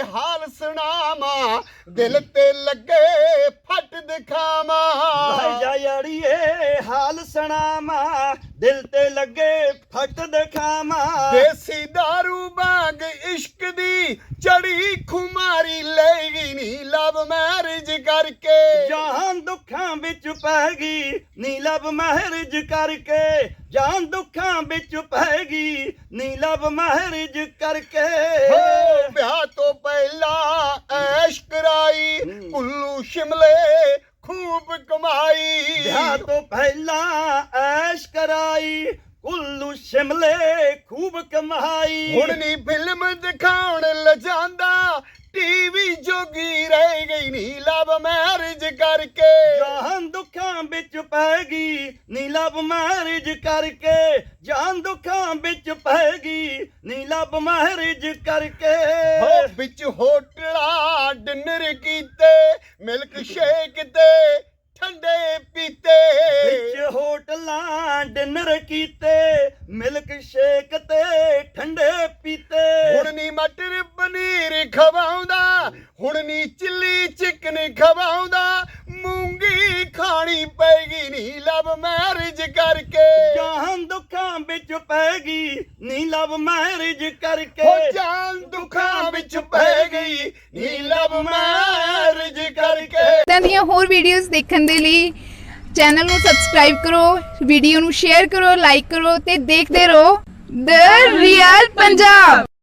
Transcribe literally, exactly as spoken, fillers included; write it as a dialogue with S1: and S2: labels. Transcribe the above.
S1: हाल सुनावा दिल ते लगे फट दिखावा
S2: जा याड़िए हाल सुनावा दिल ते लगे फट दिखावा
S1: देसी दारू बाग इश्क दी चढ़ी खुमारी लेगी नी लव मैरिज करके
S2: जान दुखां विच पैगी नी लव मैरिज करके जान दुखां विच पैगी नी लव मैरिज करके
S1: हो ब्याह तो पहला ऐश कराई कुल्लू शिमले खूब कमाई
S2: ब्याह तो पहला ऐश कराई कुल्लू शिमले खूब कमाई
S1: हुण नी फिल्म दिखाउण लजांदा टीवी जोगी रह गई नी लव मैरिज करके
S2: जान दुखां विच पैगी नी लव मैरिज करके जान दुखां विच पैगी नी लव मैरिज करके
S1: हो बिच होटला डिनर कीते मिल्क शेक ते ठंडे पीते
S2: विच होटलां डिनर कीते मिल्क शेक ते ठंडे पीते
S1: हुण नी मटर पनीर खवाउंदा हुण नी चिल्ली चिकन खवाउंदा मूंगी खानी पैगी नी लव मैरिज करके
S2: जान दुखां विच पैगी नी लव मैरिज करके
S1: हो जान दुखां विच पै गई नी लव मैरिज करके
S3: ਇਦਾਂ ਦੀਆਂ ਹੋਰ ਵੀਡੀਓਜ਼ ਦੇਖਣ ਦੇ ਲਈ ਚੈਨਲ ਨੂੰ ਸਬਸਕ੍ਰਾਈਬ ਕਰੋ, ਵੀਡੀਓ ਨੂੰ ਸ਼ੇਅਰ ਕਰੋ, ਲਾਈਕ ਕਰੋ ਤੇ ਦੇਖਦੇ ਰਹੋ ਦ ਰੀਅਲ ਪੰਜਾਬ।